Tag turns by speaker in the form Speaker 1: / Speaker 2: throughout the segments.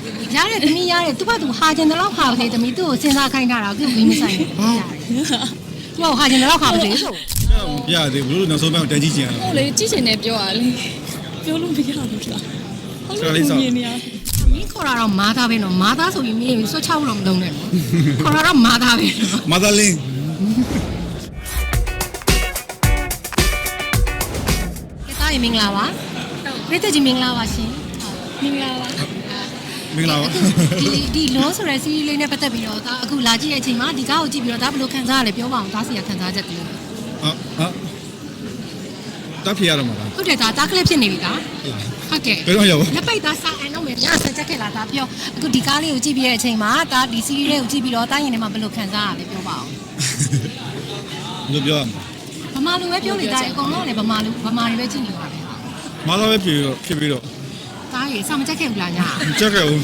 Speaker 1: ရတယ်သမီးရတယ်သူ့ဘာသူဟာကျင်တော့ခါပါလေသမီးသူ့ကိုစဉ်းစားခိုင်းတာတော့သူ့ကိုမဆိုင်ဘူးသူ့ကိုဟာကျင်တော့ခါပါလေဆို
Speaker 2: ပြရတယ်ဘလို့နောက်ဆုံးပိုင်းတန်းကြီးကျင်ရ
Speaker 3: ဟုတ်လေကြည့်ချင်တယ်ပြောရလေပြောလို့မရဘူးလားဟုတ်လို့မြင်နေရ
Speaker 1: မင်းခေါ်တာတော့မာသားပဲနော်မာသားဆိုပြီးမင်းဆွတ်ချဖို့တော့မလုပ်နဲ့နော်ခေါ်တာတော့မာသားပဲနော်
Speaker 2: မာသာလင်း
Speaker 1: ကဲသားရင်မင်္ဂလာပါပြည့်တဲ့ကြီးမင်္ဂလာပါရှင်
Speaker 3: မင်္ဂလာပါ
Speaker 2: မင်္ဂလာပါ
Speaker 1: ဒီလုံးဆိုတဲ့စီးရီးလေးနဲ့ပတ်သက်ပြီးတော့ဒါအခုလာကြည့်တဲ့အချိန်မှာဒီကားကိုကြည့်ပြီးတော့ဒါဘယ်လိုခံစားရလဲပြောပါအောင်ဒါစီရခံစားချက်တည်း
Speaker 2: ဟာတပ်ပြရတော့မှာလား
Speaker 1: ဟုတ်တယ်ဒါတားကလစ်ဖြစ်နေပြီလားဟုတ်ကဲ့
Speaker 2: ဘယ်တော့ရောက်
Speaker 1: လက်ပိတ်သားစာအန်တော့မယ်ညဆက်ချက်ခဲ့လာဒါပြောအခုဒီကားလေးကိုကြည့်ပြီးတဲ့အချိန်မှာဒါဒီစီးရီးလေးကိုကြည့်ပြီးတော့တားရင်ထဲမှာဘယ်လိုခံစားရလဲပြောပါအောင်
Speaker 2: ဘယ်ပြောရမလဲ
Speaker 1: ဗမာလူပဲပြောနေတာအကုန်လုံးလည်းဗမာတွေပဲကြည့်နေပါပဲ
Speaker 2: မာသာပဲဖြစ်ပြီးတော့
Speaker 1: တားရေစာမချက်ခဲ့ဘူးလားညာ
Speaker 2: ကြက်ခဲ့ဦး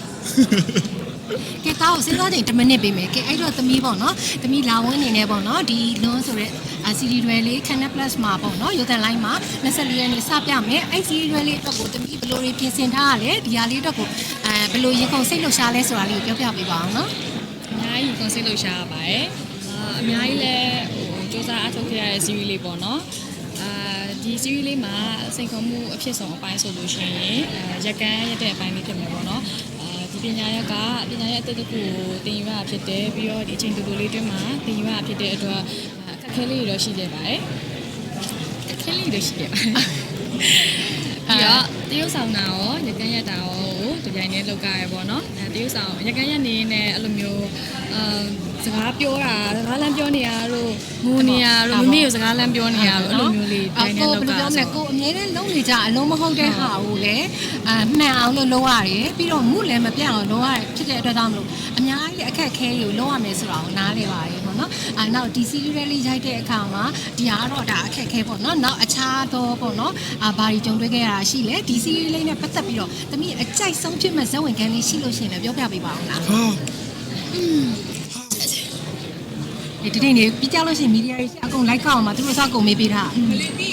Speaker 1: ကဲတားကိုစဉ်းစားချိန်10မိနစ်ပေးမယ်ကဲအဲ့တော့သမီးပေါ့နော်သမီးလာဝင်းနေနေပေါ့နော်ဒီလွန်းဆိုတဲ့စီရီတွေလေး Channel Plus မှာပေါ့နော်ရုပ်သံလိုင်းမှာ24ရက်နေ့စပြမယ်အဲ့စီရီတွေလေးအတွက်ကိုသမီးဘယ်လိုတွေပြင်ဆင်ထားရလဲဒီဟာလေးအတွက်ကိုဘယ်လိုရင်ကုန်စိတ်လှုပ်ရှားလဲဆိုတာလေးကိုပြောပြပေးပါအောင်နော်
Speaker 3: အများကြီး concept လုပ်ရှားရပါတယ်အများကြီးလည်းစူးစမ်းအားထုတ်ခဲ့ရတဲ့ series လေးပေါ့နော်ဒီ series လေးမှာစိန်ခေါ်မှုအဖြစ်ဆုံးအပိုင်းဆိုလို့ရှိရင်ရက်ကန်းရက်တဲ့အပိုင်းလေးဖြစ်မယ်ပေါ့နော်ဒီပညာရပ်ကအသစ်တစ်ခုကိုသင်ယူရတာဖြစ်တယ်ပြီးတော့ဒီအချိန်တူတူလေးတွင်းမှာသင်ယူရတာဖြစ်တဲ့အတွက်အခက်အခဲလေးတွေတော့ရှိခဲ့ပါတယ်အခက်အခဲလေးတွေရှိခဲ့ပါတယ်ပြီးတော့တရုတ်ဆောင်တာရောရက်ကန်းရက်တာရောဒီပိုင်းနဲ့လောက်ကြရပေါ့နော်တရုတ်ဆောင်ရက်ကန်းရက်နေနေအဲ့လိုမျိုးစကားပြောတာစကားလမ်းပြောနေရတို့ငိုနေရတို့မမေကိုစကားလမ်းပြောနေရတို့အဲ့လိုမျိုးလေးတိုင်းနဲ့လောက်ကဆို
Speaker 1: ကိုအမြဲတမ်းလုံးနေကြအလုံးမဟုတ်တဲ့ဟာကိုလည်းမှန်အောင်လို့လုံးရတယ်ပြီးတော့မှုလည်းမပြတ်အောင်လုံးရတယ်ဖြစ်တဲ့အတွက်ကြောင့်မလို့အများကြီးအခက်အခဲတွေကိုလုံးရမယ်ဆိုတာကိုနားလည်ပါတယ်ပေါ့နော်နောက်ဒီ series လေးရိုက်တဲ့အခါမှာဒီဟာကတော့ဒါအခက်အခဲပေါ့နော်နောက်အခြားသောပေါ့နော်ဘာတွေကြုံတွေ့ခဲ့ရတာရှိလဲဒီ series လေးနဲ့ပတ်သက်ပြီးတော့တမီးအကြိုက်ဆုံးဖြစ်မဲ့ဇာတ်ဝင်ခန်းလေးရှိလို့ရှိရင်လည်းပြောပြပေးပါအောင်လား
Speaker 2: ဟာ
Speaker 1: ဒီနေ့နေပြီးကြလို့ရှိရင်မီဒီယာတွေအကုန် like အောင်မှာသူတို့စကုန်မေးပေးတာ
Speaker 2: ဟာ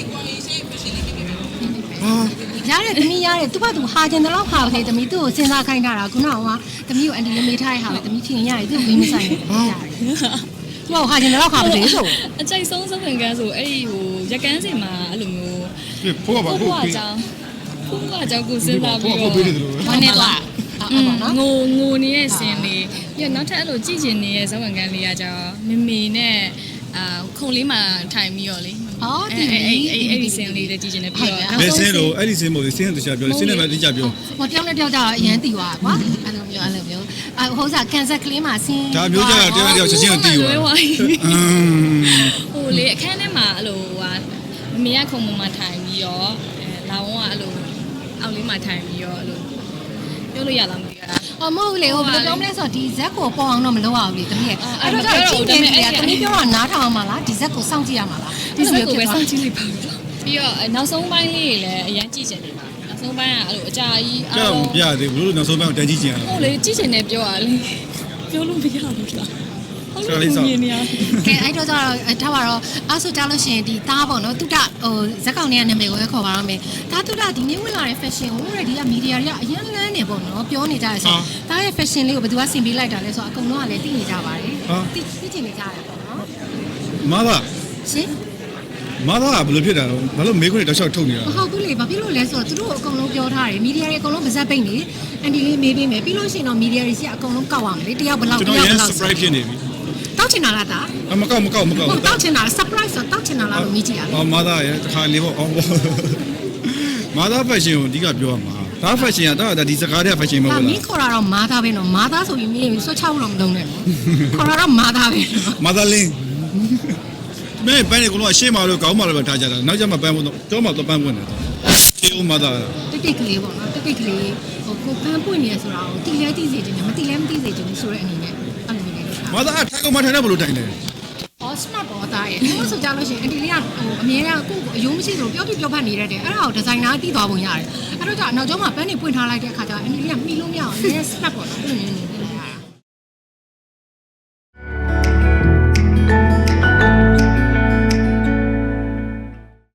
Speaker 1: ရတယ်သမီးရတယ်သူ့ဘာသူဟာကျင်တော့ခါပါလေသမီးသူ့ကိုစဉ်းစားခိုင်းတာခုနကသမီးကိုအန်တီလေးမေးထားတဲ့ဟာပဲသမီးဖြင်ရတယ်သူ့ကိုမဆိုင်ဘူးရတယ်သူ့ကိုဟာကျင်တော့ခါပါလေဆို
Speaker 3: အကြိုက်ဆုံးစဝင်ကန်းဆိုအဲ့ဒီဟိုရက်ကန်းစင်မှာအဲ့လိုမျိုး
Speaker 2: ဖိုးပါ
Speaker 3: ဖိုး
Speaker 2: ဖိုး
Speaker 3: ဖွား
Speaker 2: ပေး
Speaker 3: ကြောင်းကိုစဉ်းစားပြီး
Speaker 2: ဖိုးပေးတယ်လို့
Speaker 1: ဘာနဲ့လားဟုတ်ပါနော်
Speaker 3: ငိုနေတဲ့စင်လေးပြီးတော့နောက်ထပ်အဲ့လိုကြည့်ကျင်နေတဲ့ဇဝင်ကန်းလေးကကြောင်းမမေနဲ့ခုံလေးမှာထိုင်ပြီးတော့လေ
Speaker 1: အော်ဒီ
Speaker 3: အဲ့ဒီစင်လေးလည်းကြည့်ကျင်နေပြီးတော့
Speaker 2: ဘယ်စင်းလို့အဲ့ဒီစင်းမို့စင်းတခြားပြောစင်းနဲ့ပဲတခြားပြော
Speaker 1: ဟိုတယောက်နဲ့တယောက်ကြတော့အရန်တီသွားကွာအဲ့လိုမျိုးဟိုစားကန်ဆာကလေးမှာဆင်း
Speaker 2: ဒါမျိုးကြတော့တယောက်ချက်ချင်းကိုတီးသွား
Speaker 3: ဟိုလေအခန်းထဲမှာအဲ့လိုမမေကခုံပေါ်မှာထိုင်ပြီးတော့လာဝန်းကအဲ့လိုအောက်လေးမှာထိုင်ပြီးတော့အဲ့လိုပြောလို့ရလားမသိဘူးလား
Speaker 1: အော်မဟုတ်လေဟိုဘယ်လိုပြောမလဲဆိုတော့ဒီဇက်ကိုပေါ်အောင်တော့မလုပ်ရဘူးလေတမီးရဲ့အဲ့တော့ကြည့်နေတယ်တမီးပြောတာနားထောင်အောင်မလားဒီဇက်ကိုစောင့်ကြည့်ရမှာလား
Speaker 3: ဒီလိုပဲစောင့်ကြည့်လိုက်ပါပြီးတော့နောက်ဆုံးပိုင်းလေးတွေလည်းအရင်ကြည့်ချင်နေပါနောက်ဆုံးပိုင်းကအဲ့လိုအကြာကြီး
Speaker 2: ကြောက်ပြရတယ်ဘလို့နောက်ဆုံးပိုင်းတန်းကြီးကျင်ရ
Speaker 3: ဟုတ်လေကြည့်ချင်တယ်ပြောရလေပြောလို့မရဘူးလားဟုတ်လို့မြင်နေရ
Speaker 1: ကဲအဲ့တော့ကျတော့ထားပါတော့အဲ့ဆိုကြလို့ရှိရင်ဒီသားပေါ့နော်တုဒဟိုဇက်ကောင်တွေကနာမည်ကိုပဲခေါ်ပါတော့မယ်ဒါတုဒဒီနေ့ဝင်လာတဲ့ fashion ကိုဒီကမီဒီယာတွေကအရင်လန်းနေပေါ့နော်ပြောနေကြရဆိုသားရဲ့ fashion လေးကိုဘယ်သူကဆင်ပေးလိုက်တာလဲဆိုတော့အကုန်လုံးကလည်းသိနေကြပါတယ်သိချင်နေကြတယ်ပေါ့နော်
Speaker 2: မာသာ
Speaker 1: ရှင်
Speaker 2: မာသာဘယ်လိုဖြစ်တာလဲဘာလို့မေးခွန်းတောက်လျှောက်ထုတ်နေတာ
Speaker 1: မဟုတ်ဘူးလေဘာဖြစ်လို့လဲဆိုတော့သူတို့အကုန်လုံးပြောထားတယ်မီဒီယာတွေအကုန်လုံးပါဇက်ပိတ်နေအန်တီလေးမေးပေးမယ်ပြီးလို့ရှိရင်တော့မီဒီယာတွေစီကအကုန်လုံးကောက်ရမယ်လေတယောက်ဘယ်လောက်
Speaker 2: ကျွန်တော်ရန် surprise ဖြစ်နေပြီ
Speaker 1: တောက်ချင်တာလားဒါ
Speaker 2: မကောက်
Speaker 1: ဟုတ်တောက်ချင်တာ surprise ဆိုတောက်ချင်တာလားလို့မြည်ကြည့်ရအောင်
Speaker 2: မာသာရဲ့တစ်ခါလေးပေါ့မာသာ fashion ကိုအဓိကပြောရမှာဒါ fashion ကဒီစကားတဲ့ fashion မဟုတ်
Speaker 1: မ
Speaker 2: ဘူး
Speaker 1: င်းခေါ်တာတော့မာသားပဲနော်မာသားဆိုပြီးမင်းဆွတ်ချဖို့တော့မလုပ်နဲ့နော်ခေါ်တာတော့မာသားပဲနော်
Speaker 2: မာသာလင်းမင်းပန်းနေကတော့ရှေ့မှာလို့ကောင်းမှာလို့ပဲထားကြတာနောက်ကျမှပန်းဖို့တော့မှတော့ပန်းပွင့်တယ်တေးဦးမာသာ
Speaker 1: တိတ်တိတ်ကလေးပေါ့နော်တိတ်တိတ်ကလေးဟိုကိုပန်းပွင့်နေရဆိုတာကိုတီလဲတီးစေချင်တယ်မတီလဲမတီးစေချင်ဘူးဆိုတဲ့အနေနဲ့အဲ့လိုမျိုးလေးလုပ်ထား
Speaker 2: မာသာထိုင်ကောင်မထိုင်တော့ဘလို့တိုင်လဲ
Speaker 1: အော် smart ပေါ်သားရဲ့ဒီလိုဆိုကြလို့ရှိရင်အန်တီလေးကဟိုအမြဲတမ်းကိုယ့်ကိုအယုံမရှိသလိုပြောပြပြောဖတ်နေရတယ်အဲ့ဒါကိုဒီဇိုင်နာတီးသွားပုံရတယ်အဲ့တော့ကျနောက်ကျောင်းမှာပန်းနေပွင့်ထားလိုက်တဲ့အခါကျအန်တီလေးကမှီလို့မရအောင်အမြဲ smart ပေါ်တာအဲ့လိုမျိုး